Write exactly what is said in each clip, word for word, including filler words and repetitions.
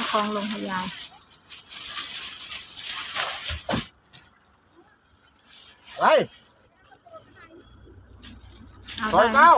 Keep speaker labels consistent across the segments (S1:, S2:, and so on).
S1: ของลงให้ยาย
S2: ไปซอยเก้า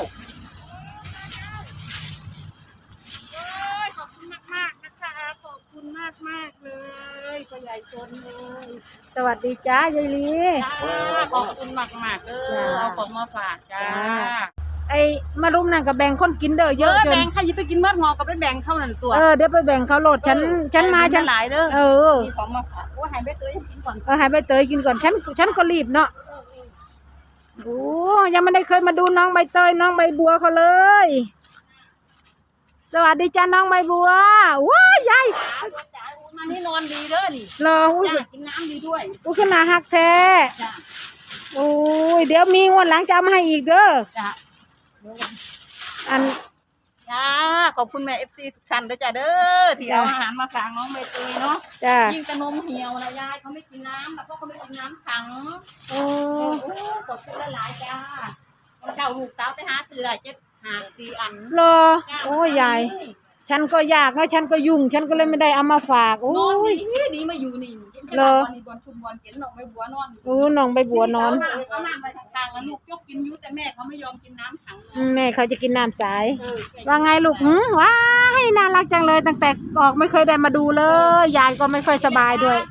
S1: ขอบคุณมากมากนะคะขอบคุณมากมากเลยพ่อใหญ่ชนเลยสวัสดีจ้ายายลี
S3: ขอบคุณมากมากเออเอาของมาฝากจ้า
S1: ไอ้มารุมนั่นกับแบ่งคนกินเด้อเยอะจน
S3: แบ่งใครจะไปกินเมื่องอกก็ไปแบ่งเข้านั่นตัว
S1: เออเดี๋ยวไปแบ่งเขาโหลดฉันฉันมาฉัน
S3: หลายเด้อ
S1: เออ
S3: มีของมาฝากโอ้หายไปเตยกินก่อน
S1: เออหายไปเตยกินก่อนฉันฉันก็รีบเนาะโอ้ยังไม่ได้เคยมาดูน้องใบเตยน้องใบบัวเขาเลยสวัสดีจ้าน้องใบบัวว้ายาย
S3: มานี่นอนดีเด้อนี่
S1: รออุ้ย
S3: กินน้ำดีด้วย
S1: อุ้ยขนาดหักแท้โอ้ยเดี๋ยวมีงวดหลังจะมาให้อีกเด้อ
S3: จ้า
S1: อัน
S3: จ้าขอบคุณแม่เอฟซีทุกท่านด้วยจ้าเด้อที่เอาอาหารมาฝากน้องใบเตยเนาะ
S1: จ้า
S3: ยิ่งกระนมเหี่ยวนะยายเขาไม่กินน้ำแล้วก็เขาไม่กินน้ำขัง
S1: โอ้
S3: ขอบคุณหลายจ้าเจ้าลูกสาวไปหาซื้ออะไรเจ็ดหาสี่อัน
S1: รอโอ้ยยายฉันก็อยากนะฉันก็ยุ่งฉันก็เลยไม่ได้เอามาฝากโอ้
S3: ยดีมาอยู่นี่
S1: เลอ
S3: บอลชุมบอลเห็นน้องใบบัวนอน
S1: โอ้น้องใบบัวนอน
S3: เขาน้ำไปทางแล้วลูกยกกินยุแต่แม่เขาไม่ยอมกินน้ำถัง
S1: แม่เขาจะกินน้ำสายว่าไงลูกหืมว้าให้น่ารักจังเลยตั้งแต่ออกไม่เคยได้มาดูเลยยายก็ไม่ค่อยสบายด้วย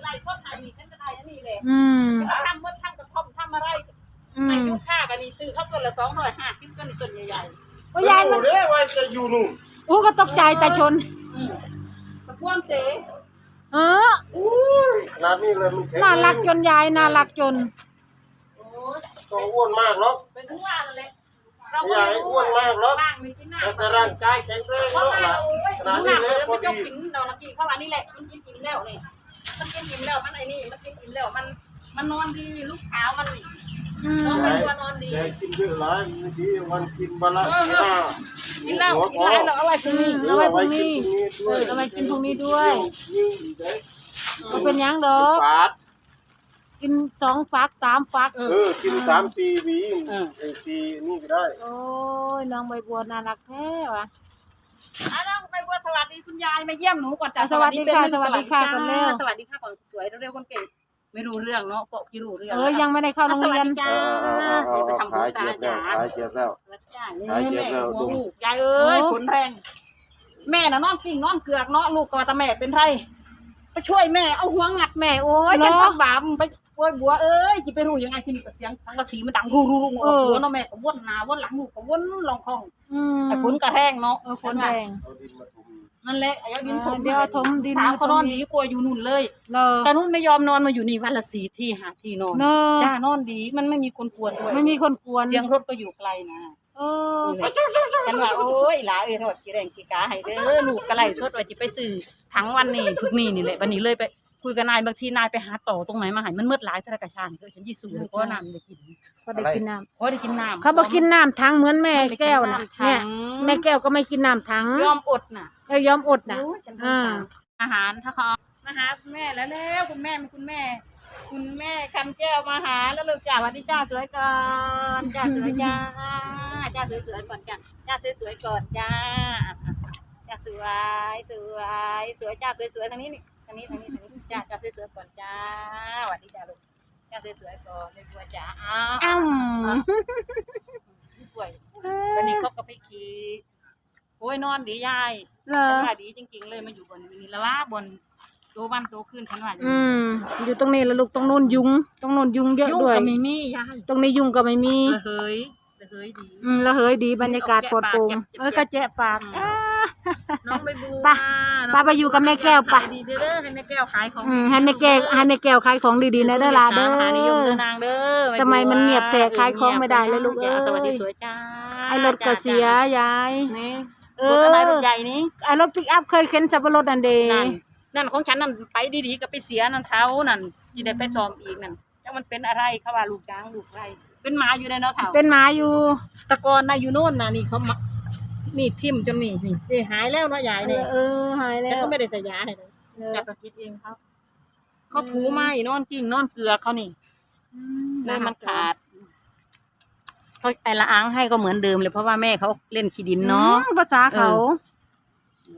S1: อืม
S3: ทำเมื่อทำกระท่อมทำอะไรในยุคข้ากันนี่ซื้อข้าวต้นละสองร้อยห้าสิบต้นนี่ต้นใหญ่
S1: ๆโอ้ยายมัน
S2: เด้ว่าจะอยู่นู่น
S1: อู้ก็ตกใจแต่ชน
S3: ตะพวงเต๋
S1: เออ
S2: ขนาดนี้เลยมันแข็ง
S1: น่ารักจนยายน่ารักจน
S2: ต้องอ้วนมากหรอก
S3: เป็นทุกวันเลย
S2: ใหญ่อ้วนมากหรอกแต่ร่างกายแข็งแรงเนาะขนาดนี้เลยพอดี
S3: กินเรานะกินข้าวอันนี้แหละมันกินกินแล้วนี่มันกินกินแล้วมันไอ้นี่มันกินกินแล้วมันมันนอนดีลูกสาวมันนี่น้องเป็นตัวนอนดี
S2: ใหญ่กินเยอะหลายบางทีวันกินวันละสี่ห้า
S3: กินเหล้ากินอะไรเราเอาไว้ตรงนี้
S1: เอาไว้ตรงนี้เอาไว้กินตรงนี้ด้วยก็เป็นยังดอกกินสองฟักสามฟัก
S2: เออกินสามสี่วีเออสี่นี่ก็ได้
S1: โอ้ยน้องใบบัวน่ารักแท้ว่ะ
S3: อ่ะน้องใบบัวสวัสดีคุณยายมาเยี่ยมหนูก่อนจ้ะ
S1: สวัสดีค่ะสวัสดีค่ะก่อนเร็ว
S3: สวัสดีค่ะก่อนสวยเร็วคนเก่งไม่รู้เรื่องเนาะก็กี่รู้เรื่อง
S1: เออยังไม่ได้เข้าโรงเรียน
S3: จ้าไปทำบุญตาจ้า
S2: ขายเจ็บแล้ว
S3: ขายเจ็บแล้วลูกยายเอ้ยฝนแรงแม่น่ะนอนกิ่งนอนเกลือกเนาะลูกก็ตาแม่เป็นไรไปช่วยแม่เอาหัวงัดแม่โอ้ยแกพักบาปไปโอ้ยบัวเอ้ยจะไปรู้ยังไงที่นี่กับเสียงทั้งกระสีมันดังรูรูรูหัวเนาะแม่ก็วนหน้าวนหลังลูกก็วนลองคองไอ้ฝนกระแทงเนาะ
S1: ฝนแรง
S3: นั่นแหละไอ้ดินถม
S1: เดี๋ยวถมดิน
S3: สาวเขานอนดีกลัวอยู่นู่นเลยแต่นู่นไม่ยอมนอนมาอยู่นี่วันละสี่ที่หาที่นอนจ้านอนดีมันไม่มีคนกวนด้วย
S1: ไม่มีคนกวน
S3: เสียงรถก็อยู่ไกลนะ
S1: เออ
S3: ฉันว่าโอ้ยหลาเอ้ยทอดกี่แรงกี่กาให้เด้อลูกกระไรสดว่าจะไปซื้อทั้งวันนี่พึกนี่นี่แหละวันนี้เลยไปคุยกับนายบางทีนายไปหาต่อตรงไหนมาหายมันมืดหลายทะกระชานก็ฉันยี่สูเลยเพราะน้ำได้กิน
S1: ก็ได้กินน้
S3: ำเพราะได้กินน้ำ
S1: เขาบอกกินน้ำทั้งเหมือนแม่แก้วน่ะเนี่ยแม่แก้วก็ไม่กินน้ำทั้ง
S3: ยอมอดน่ะ
S1: เออยอมอดน่ะ
S3: อ่าอาหารถ้าเขามาหาคุณแม่แล้วแล้วคุณแม่เป็นคุณแม่คุณแม่คำแก้วมาหาแล้วลูกจ้าวันที่จ้าสวยก่อนจ้าสวยจ้าจ้าสวยสวยก่อนจ้าจ้าสวยสวยก่อนจ้าจ้าสวยสวยสวยจ้าสวยสวยทางนี้นี่ทางนี้ทางนี้ทางนี้จ้าจ้าสวยสวยก่อนจ้าวันที่จ้าลูกจ้าสวยสวยก่อนไม่กลัวจ้าอ้าวป่วยวันนี้เขาก็ไปขี่โอ้ยนอนดียายฉันว่าดีจริงๆเลยมาอยู่บนนี้แล้วว่าบนโตวันโตขึ้นฉันว่า
S1: อืมอยู่ตรงนี้แล้วลูกตรงโน้นยุงตรงโน้นยุงเยอะด้วย
S3: ยุงก็ไม่มียาย
S1: ตรงนี้ยุงก็ไม่มี
S3: ละเฮยละเฮยดี
S1: อืมละเฮยดีบรรยากาศปลอดโปร่งเออกระแจะปาก
S3: น้องใบบัว
S1: ป้าป้าไปอยู่กับแม่แก้วป่ะ
S3: ดีเด้อให้แม่แก้วขายของ
S1: อืมให้แม่แก้วให้แม่แก้วขายของดีๆนะเด้อล่ะเด้อ
S3: นิยมเด้อนางเด้อ
S1: ทำไมมันเงียบแต่ขายของไม่ได้เลยลูกเอ้ย
S3: สวัสดีสวยจ้า
S1: ไอ้รถก็เสียยาย
S3: นี่รถอะไรรถใหญ่นี่
S1: ไอ้รถปิกอัพเคยเข็นสับปะรดนั่นเด้
S3: นั่นของฉันนั่นไปดีๆก็ไปเสียนั่นเท้านั่นที่ได้ไปซ้อมอีกนั่นจังมันเป็นอะไรเขาว่าลูกช้างลูกไรเป็นหมาอยู่ในเนาะเท้า
S1: เป็นหมาอยู่
S3: ตะกอนนะอยู่โน่นน่ะนี่เขานี่ทิ่มจนนี่นี่หายแล้วเนาะยายเนี่ย
S1: เออหายแล้ว
S3: แต่ก็ไม่ได้ใส่ยาให้เลยจับประคิดเองครับเขาถูไม้นอนกิ่งนอนเกลือเขานี่เลยมันขาดเขาไอละอ้างให้ก็เหมือนเดิมเลยเพราะว่าแม่เขาเล่นขี้ดินเนาะ
S1: ภาษาเขา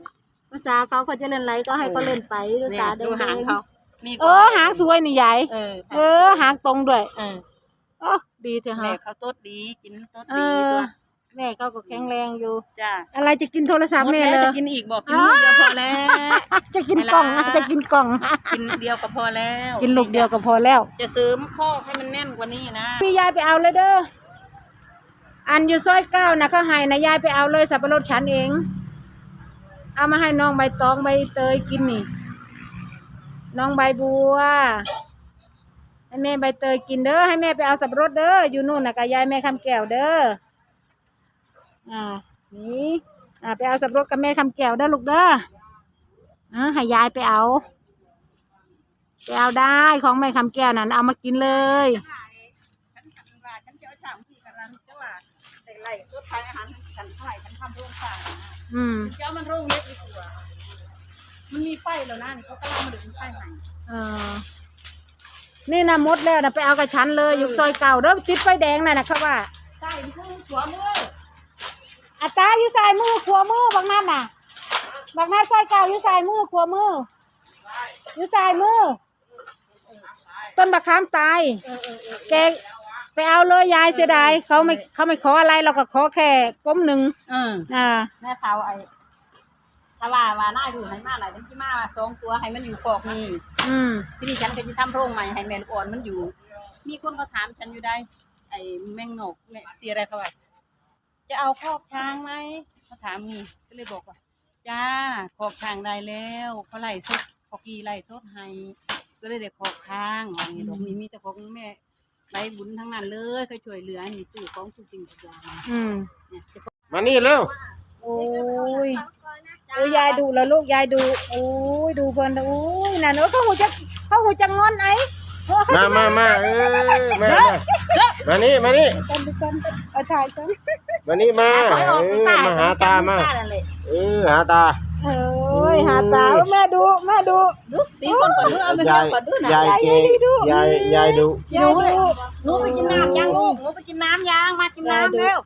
S1: ภาษาเขาเขาจะเล่นไรก็ให้เขาเล่นไปดู
S3: เนี่ย
S1: ตาแด
S3: ดูหาง
S1: ง
S3: เขานี่
S1: ๆเออหางสวยนี่ใหญ่
S3: เออ
S1: เออหางตรงด้วย
S3: เออ
S1: โอ้ดีเถอะ
S3: แม่
S1: ฮะ
S3: เขาโต๊ดดีกินโต๊ด
S1: เอ
S3: ดี
S1: อ
S3: ตัว
S1: แม่เขาก็แข็งแรงอยู่
S3: จ้า
S1: อะไรจะกินโทรศัพท์
S3: หมด
S1: แม่
S3: แล้
S1: เล
S3: วย จะกินอีกบอกกินลูกเดียวพอแล้ว
S1: จะกินกล่อง
S3: เวลา
S1: จะกินกล่อง
S3: กินเดียวก็พอแล้ว
S1: กินลูกเดียวก็พอแล้ว
S3: จะเสริมข้อให้มันแน่นกว่านี้นะ
S1: พี่ยายไปเอาเลยเด้ออันอยู่ซอยเก้านะเขาให้นะยายไปเอาเลยสับปะรดฉันเอง เอามาให้น้องใบตองใบเตยกินนี่น้องใบบัวให้แม่ใบเตยกินเด้อให้แม่ไปเอาสับปะรดเด้ออยู่นู่นนะกับยายแม่คำแก้วเด้ออ่านี่อ่าไปเอาสับปะรดกับแม่คำแก้วเด้อลูกเด้ออ่าให้ยายไปเอาไปเอาได้ของแม่คำแก้วนั่นเอามากินเลย
S3: ฉันฉันว่าฉันจะเอาสามที่กันแล้วจะว่าแต่ไรรถไฟอาหารฉันเท่าไหร่ฉันทำโรงสร้าง
S1: อืม
S3: เจ้ามันโรงเล็กดีกว่ามันมีไฟแล้วนะนี่เขากำลังมาดึงไฟใหม่
S1: เออนี่นะมดแล้วนะไปเอากับฉันเลยอยู่ซอยเก่าเด้อติดไฟแดงน่ะนะเขาว่า
S3: ใช่คือสวมมือ
S1: อาตาอยู่สายมือขวามือบางนั่นน่ะบางนั่นซอยเก่าอยู่สายมือขวามืออยู่สายมือต้นบักขามตายแกไปเอาเลยยายเสียดายเขาไม่เขาไม่ขออะไรเราก็ขอแค่ก้มหนึ่ง
S3: เออ
S1: อ่า
S3: แม่เท้าไอ้ถ้าว่าว่าน่าอยู่ให้มาหลายทั้งที่มาสองตัวให้มันอยู่กอกนี่
S1: อืม
S3: ที่นี่ฉันก็จะทำโรงใหม่ให้แม่ลูกอ่อนมันอยู่ มีคนเขาถามฉันอยู่ได้ ไอ้แมงนกแม่เสียอะไรเขาไว้จะเอาคอกช้างไหมเขาถามนี่ก็เลยบอกว่าจ้าคอกช้างได้แล้วเขาไล่สดเขากีไล่สดให้ก็เลยเด็กคอกช้างว่าอย่างนี้ดอกนี้มีแต่ของแม่ไรบุญทั้งนั้นเลยเคยช่วยเหลือนี่ตู้ของทุกสิ่งทุกอย่าง
S1: อืม
S3: เนี่ยจะ
S2: มานี่เร็ว
S1: โอ้ยโอ้ยยายดูแล้วลูกยายดูโอ้ยดูเพิ่นโอ้ยนั่นเออเขาหูจะเขาหูจะงอนไอ้โอ้เขา
S2: มา
S1: จะ
S2: มามาเออมามามานี่มานี่
S1: กันดูกันเอาถ่ายฉัน
S2: มานี่มา
S3: ถอยออก
S2: เอ
S3: คุณ
S2: อ
S3: ตา
S2: มาหาตามา
S3: นั่นแหละ
S2: เออหาตา
S1: เอ้ยหาตาแม่ดูแม่ดู
S3: ดูตีคนก่อนดูเอาไปเที่ยวก่อนดูนะ
S2: ยายเกยายยายดู
S3: หนูเลยหนูไปกินน้ำยางลูกหนูไปกินน้ำยางมากินน้ำเร็วย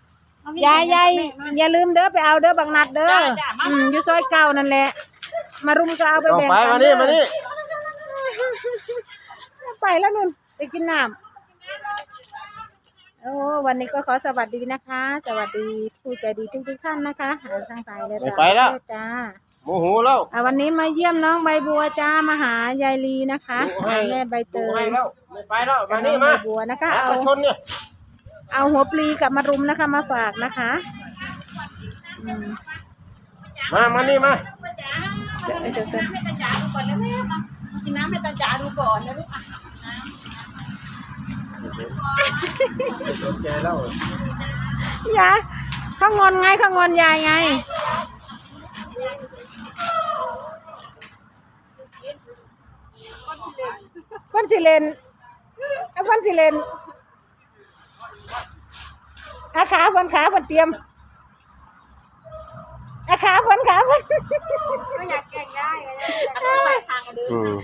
S1: ายยายอย่าลืมเด้อไปเอาเด้อบักนัดเด้ออืมอยู่ซอยเก่านั่นแหละ มารุมก็เอาไป
S2: ต้อง
S1: แบ่ง
S2: ไป
S1: กั
S2: มานี่มานี่
S1: ไปแล้วนุ่นไปกินน้ำโอ้วันนี้ก็ขอสวัสดีนะคะ สวัสดีผู้ใจดีทุกทุกๆท่านนะคะหาทางสายเลยจ้า
S2: โมโหแล้ว
S1: อ่ะวันนี้มาเยี่ยมน้องใบบัวจ้ามาหายายลีนะคะ
S2: ดูให้
S1: แม่ใบเต
S2: ดู
S1: ย
S2: ให้แล้วไม่ไปแล้วมา
S1: น้
S2: นี่
S1: องใบ
S2: มา
S1: บัวนะคะ
S2: หา
S1: เอา
S2: ตะชนเนี่ย
S1: เอาหัวปลีกับมารุมนะคะ มาฝากนะคะอืม
S2: มามานี่มา
S1: เดี๋ยวเดี๋ยวเดี๋ยว
S3: ให้ตาจ๋าดูก่อนแล้วแม่มากินน้ำให้ตาจ๋าดูก่อนนะลูกอ่ะ
S2: สนใจแล้ว
S1: ยายเขางอนไงเขางอนยายไงก้นสิเลนเอาก้นสิเลนอาขาพันขาพันเตรียมอาขาพันขาพัน
S3: ก็อยากแกล้งได้ก็ได้ไปทางกันเดิน
S2: อืม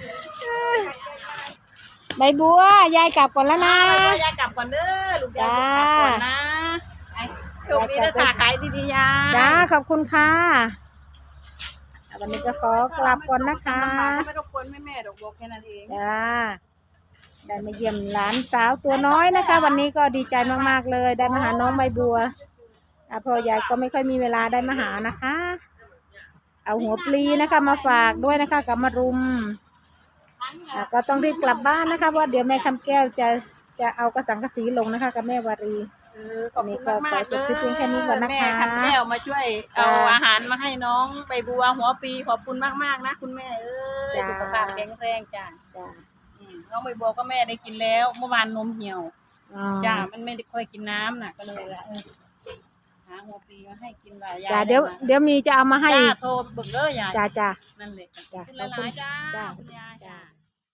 S1: ใบบัวยายกลับก่อนแล้วนะ
S3: ยายกลับก่อนเด้อลูกยายกลับก่อนนะโชคดีนะค่ะขายดีๆยา
S1: จ้าขอบคุณค่ะวันนี้จะขอกลับก่อนนะคะ
S3: ไม่รบกวนแม่แม่ดอกบอกแค่นั้นเอง
S1: จ้าได้มาเยี่ยมหลานสาวตัวน้อยนะคะ วันนี้ก็ดีใจมากๆเลย ได้มาหาน้องใบบัวอ่ะพ่อยายก็ไม่ค่อยมีเวลาได้มาหานะคะ เอาหัวปลีนะคะ มาฝากด้วยนะคะกับมารุมอ่ะก็ต้องรีบกลับบ้านนะคะเพราะเดี๋ยวแม่คำแก้วจะจะเอากระสังกะสีลงนะคะ กับแม่วารี
S3: ขอบคุณมากๆเลยแม่ขันแก้วมาช่วยเอาอาหารมาให้น้องใบบัวหัวปีขอบคุณมากๆนะคุณแม่เอ้ยสุขภาพแข็งแรงจ้า
S1: จ้า
S3: น้องใบบัวก็แม่ได้กินแล้วเมื่อวานนมเหี่ยว
S1: อ๋อ
S3: จ้ามันไม่ได้ค่อยกินน้ำน่ะก็เลยว่าเออหาหัวปีมาให้กินหลายอย่าง
S1: จ้าเดี๋ยวเดี๋ยวมีจะเอามาให้
S3: จ้าโทรเบิกเด้อยาย
S1: จ้าจ้า
S3: นั่นเลย
S1: จ้า
S3: คุณหลายๆจ้า
S1: จ้า
S3: คุณยายจ้า